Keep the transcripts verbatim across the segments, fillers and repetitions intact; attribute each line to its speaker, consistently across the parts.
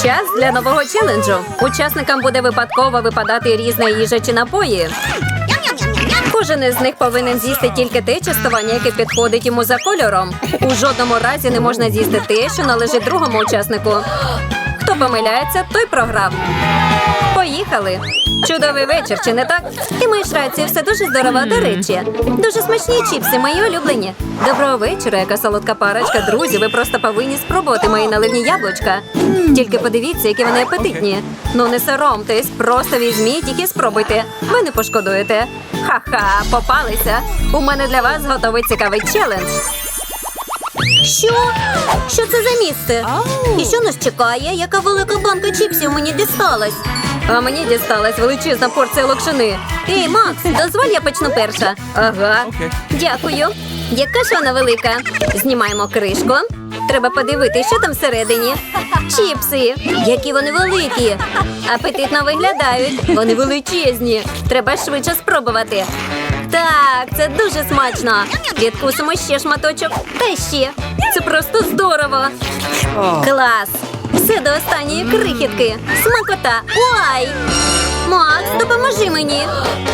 Speaker 1: Час для нового челенджу. Учасникам буде випадково випадати різна їжа чи напої. Кожен із них повинен з'їсти тільки те частування, яке підходить йому за кольором. У жодному разі не можна з'їсти те, що належить другому учаснику. Хто помиляється, той програв. Поїхали! Чудовий вечір, чи не так? Ти маєш рацію, все дуже здорово. До речі, дуже смачні чіпси, мої улюблені. Доброго вечора, яка солодка парочка. Друзі, ви просто повинні спробувати мої наливні яблучка. Тільки подивіться, які вони апетитні. Ну не соромтесь, просто візьміть їх і спробуйте. Ви не пошкодуєте. Ха-ха, попалися. У мене для вас готовий цікавий челендж. Що? Що це за місце? І що нас чекає? Яка велика банка чіпсів мені дісталась? А мені дісталась величезна порція локшини. Ей, Макс, дозволь, я почну перша. Ага. Дякую. Яка ж вона велика? Знімаємо кришку. Треба подивитися, що там всередині. Чіпси. Які вони великі. Апетитно виглядають. Вони величезні. Треба швидше спробувати. Так, це дуже смачно. Відкусимо ще шматочок. Та ще. Це просто здорово. Клас. Все до останньої крихітки. Смакота. Ой! Макс, допоможи мені.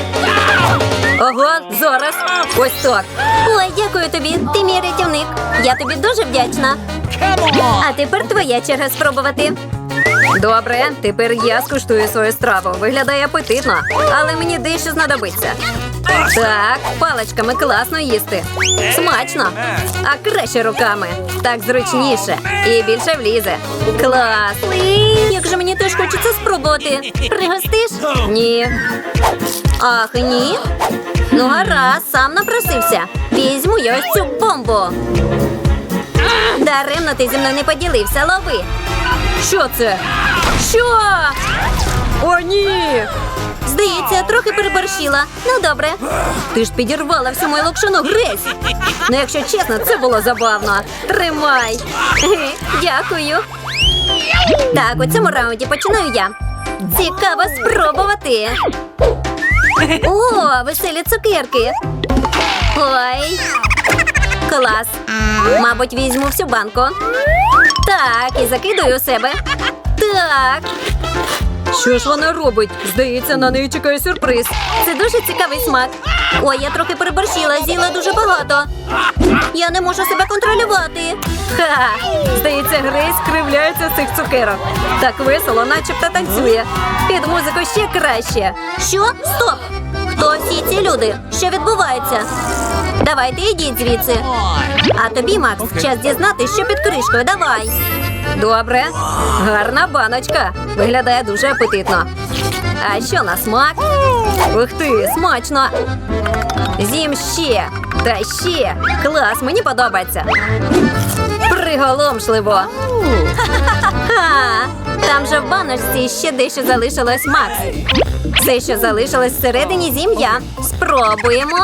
Speaker 1: Ого, зараз. Ось так. Ой, дякую тобі. Ти мій рятівник. Я тобі дуже вдячна. А тепер твоя черга спробувати. Добре, тепер я скуштую свою страву. Виглядає апетитно, але мені дещо знадобиться. Так, паличками класно їсти. Смачно. А краще руками. Так зручніше. І більше влізе. Клас. Як же мені теж хочеться спробувати. Пригостиш? Ні. Ах, ні? Ну гаразд, сам напросився. Візьму я ось цю бомбу. Даремно ти зі мною не поділився, лови. Що це? Що? О, ні! Здається, я трохи переборщила. Ну, добре. Ти ж підірвала всю мою локшину, Грейс. Ну, якщо чесно, це було забавно. Тримай. Дякую. Так, у цьому раунді починаю я. Цікаво спробувати. О, веселі цукерки. Ой. Клас. Мабуть, візьму всю банку. Так, і закидаю у себе. Так. Що ж вона робить? Здається, на неї чекає сюрприз. Це дуже цікавий смак. Ой, я трохи переборщила, з'їла дуже багато. Я не можу себе контролювати. Ха! Здається, Грейс кривляється з цих цукерок. Так весело, начебто танцює. Під музику ще краще. Що? Стоп! Хто всі ці люди? Що відбувається? Давайте, йдіть звідси. А тобі, Макс, okay. час дізнатися, що під кришкою. Давай. Добре. Гарна баночка. Виглядає дуже апетитно. А що на смак? Ух ти, смачно. З'їм ще. Та ще. Клас, мені подобається. Приголомшливо. Ха, там же в баночці ще дещо залишилось, Макс. Все, що залишилось всередині, з'їм я. Спробуємо.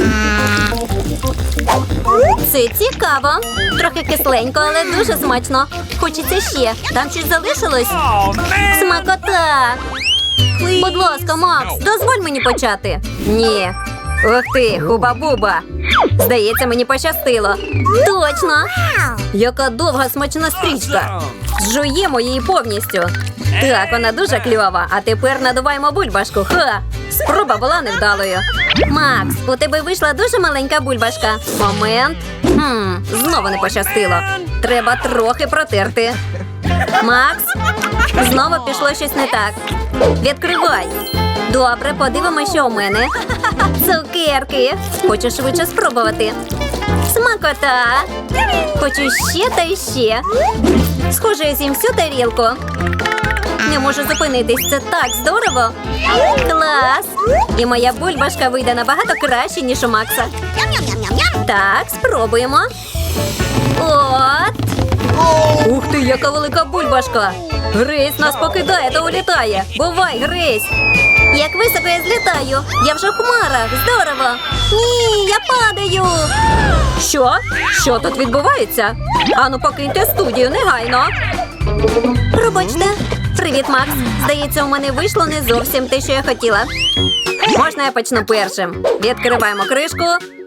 Speaker 1: Це цікаво. Трохи кисленько, але дуже смачно. Хочеться ще. Там щось залишилось? Смакота. Будь ласка, Макс, дозволь мені почати. Ні. Ух ти, хуба-буба. Здається, мені пощастило. Точно. Яка довга смачна стрічка. Зжуємо її повністю. Так, вона дуже кльова. А тепер надуваємо бульбашку. Ха! Спроба була невдалою. Макс, у тебе вийшла дуже маленька бульбашка. Момент. Хм, знову не пощастило. Треба трохи протерти. Макс, знову пішло щось не так. Відкривай. Добре, подивимося, що у мене. Цукерки. Хочу швидше спробувати. Смакота. Хочу ще та ще. Схоже, я з'їм всю тарілку. Не можу зупинитись, це так здорово. Клас! І моя бульбашка вийде набагато краще, ніж у Макса. Так, спробуємо. От. Ух ти, яка велика бульбашка. Грейс нас покидає та улітає. Бувай, Грейс. Як високо я злітаю. Я вже в хмарах. Здорово. Ні, я падаю. Що? Що тут відбувається? Ану, покиньте студію негайно. Пробачте. Привіт, Макс. Здається, у мене вийшло не зовсім те, що я хотіла. Можна я почну першим? Відкриваємо кришку.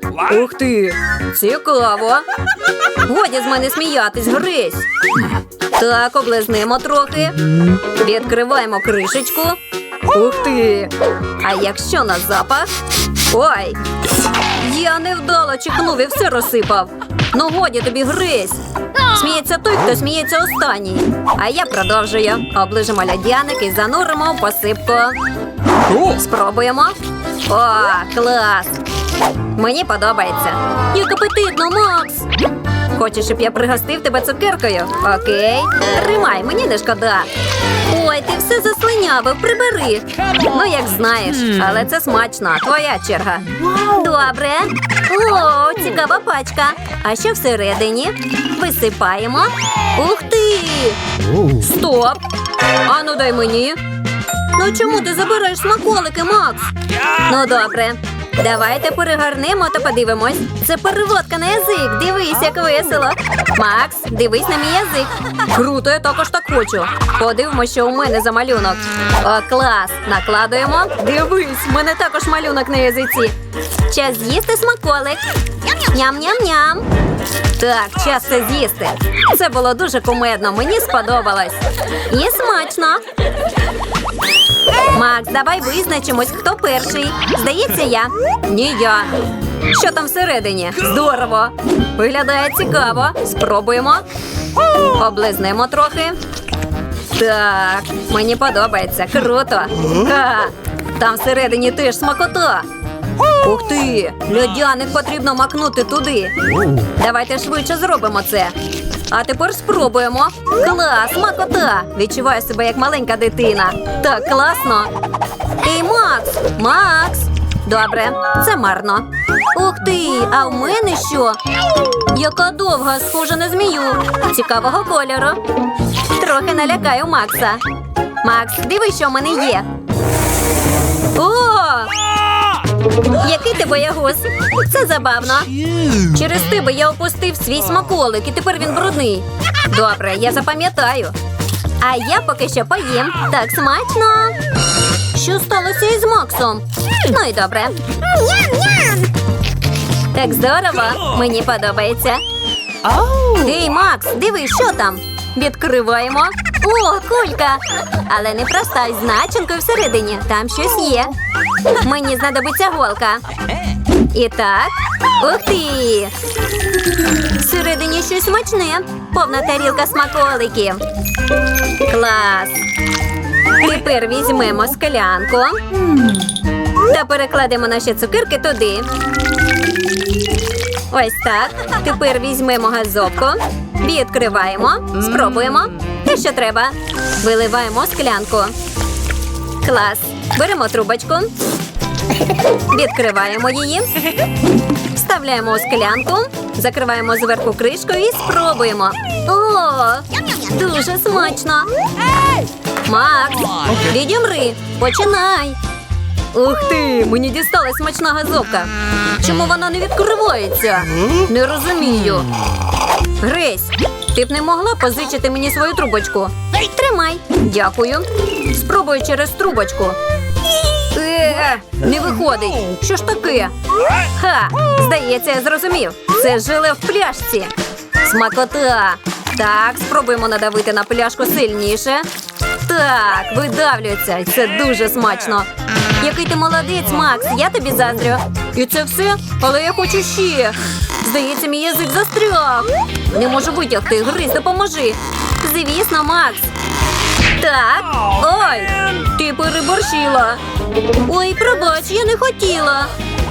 Speaker 1: Ух ти! Цікаво! Годі з мене сміятись, грись! Так, облизнемо трохи. Відкриваємо кришечку. Ух ти! А якщо на запах? Ой! Я невдало чихнув і все розсипав. Ну годі тобі, грись! Сміється той, хто сміється останній. А я продовжую. Оближимо льодяник і зануримо в посипку. Спробуємо. О, клас! Мені подобається. Як апетитно, Макс! Хочеш, щоб я пригостив тебе цукеркою? Окей. Тримай, мені не шкода. Ой, ти все заслинявив, прибери. Ну, як знаєш, але це смачно. Твоя черга. Добре. О, цікава пачка. А що всередині? Висипаємо. Ух ти! Стоп! Ану, дай мені. Ну чому ти забираєш смаколики, Макс? Ну, добре. Давайте перегорнемо та подивимось. Це переводка на язик. Дивись, як весело. Макс, дивись на мій язик. Круто, я також так хочу. Подивимось, що у мене за малюнок. О, клас. Накладуємо. Дивись, в мене також малюнок на язиці. Час з'їсти смаколик. Ням-ням-ням. Так, час це з'їсти. Це було дуже кумедно, мені сподобалось. І смачно. Макс, давай визначимось, хто перший. Здається, я. Ні, я. Що там всередині? Здорово. Виглядає цікаво. Спробуємо. Облизнемо трохи. Так, мені подобається. Круто. Ха. Там всередині теж смакота. Ух ти! Льодяник потрібно макнути туди. Давайте швидше зробимо це. А тепер спробуємо. Клас, смакота! Відчуваю себе як маленька дитина. Так класно. Ей, Макс! Макс! Добре, це марно. Ух ти, а в мене що? Яка довга, схожа на змію. Цікавого кольору. Трохи налякаю Макса. Макс, дивись, що в мене є. О! Який ти боягуз? Це забавно. Через тебе я опустив свій смаколик, і тепер він брудний. Добре, я запам'ятаю. А я поки що поїм. Так смачно. Що сталося із Максом? Ну і добре. Так здорово. Мені подобається. Ей, Макс, дивись, що там. Відкриваємо. О, кулька. Але не проста, з начинкою всередині. Там щось є. Мені знадобиться голка. І так. Ух ти! Всередині щось смачне. Повна тарілка смаколиків. Клас. Тепер візьмемо склянку. Та перекладемо наші цукерки туди. Ось так. Тепер візьмемо газовку. Відкриваємо. Спробуємо. Те, що треба. Виливаємо склянку. Клас. Беремо трубочку. Відкриваємо її. Вставляємо у склянку. Закриваємо зверху кришкою і спробуємо. О, дуже смачно. Макс, відімри. Починай. Ух ти, мені дісталась смачна газовка. Чому вона не відкривається? Не розумію. Грейс, ти б не могла позичити мені свою трубочку? Тримай. Дякую. Спробую через трубочку. Е, не виходить. Що ж таке? Ха, здається, я зрозумів. Це желе в пляшці. Смакота. Так, спробуємо надавити на пляшку сильніше. Так, видавлюється. Це дуже смачно. Який ти молодець, Макс, я тобі заздрю. І це все? Але я хочу ще. Здається, мій язик застряг. Не можу витягти. Гриз, допоможи. Звісно, Макс. Так. Ой, ти переборщила. Ой, пробач, я не хотіла.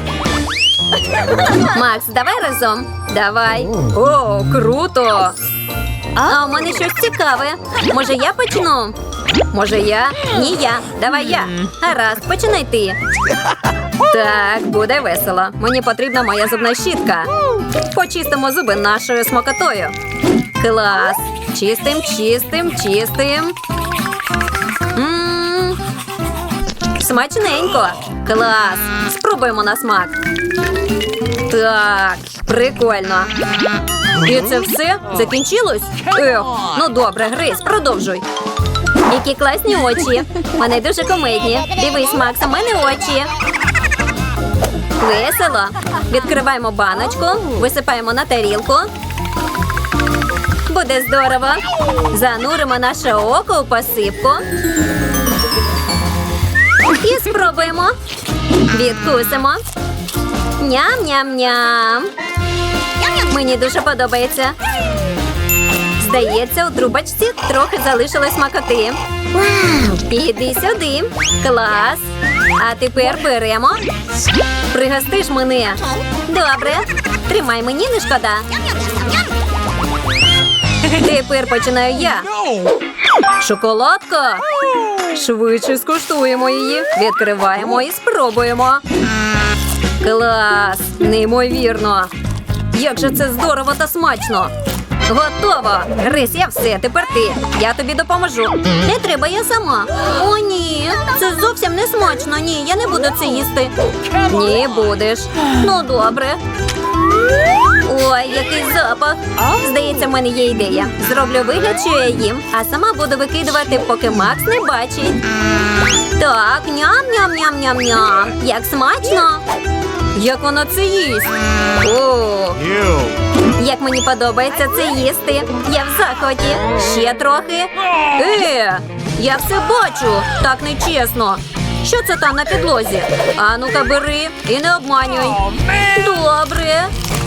Speaker 1: Макс, давай разом. Давай. О, круто. А у мене щось цікаве. Може, я почну? Може, я? Ні, я. Давай я. Гаразд, починай ти. Так, буде весело. Мені потрібна моя зубна щітка. Почистимо зуби нашою смакотою. Клас. Чистим, чистим, чистим. М-м-м. Смачненько. Клас. Спробуємо на смак. Так, прикольно. І це все? Закінчилось? Ех, ну добре, Грейс, продовжуй. Які класні очі. Вони дуже комедні. Дивись, Макс, у мене очі. Весело. Відкриваємо баночку, висипаємо на тарілку. Буде здорово. Зануримо наше око у посипку. І спробуємо. Відкусимо. Ням-ням-ням. Мені дуже подобається. Здається, у трубочці трохи залишилось смакоти. Іди сюди. Клас. А тепер беремо. Пригостиш мене. Добре. Тримай, мені не шкода. Тепер починаю я. Шоколадка. Швидше скуштуємо її. Відкриваємо і спробуємо. Клас! Неймовірно! Як же це здорово та смачно! Готово! Грись, я все, тепер ти. Я тобі допоможу. Не треба, я сама. О, ні, це зовсім не смачно. Ні, я не буду це їсти. Ні, будеш. Ну, добре. Ой, який запах. Здається, в мене є ідея. Зроблю вигляд, що я їм, а сама буду викидувати, поки Макс не бачить. Так, ням-ням-ням-ням-ням. Як смачно. Як вона це їсть? О, як мені подобається це їсти. Я в захваті. Ще трохи. Е, я все бачу. Так нечесно. Що це там на підлозі? А ну-ка бери і не обманюй. Добре.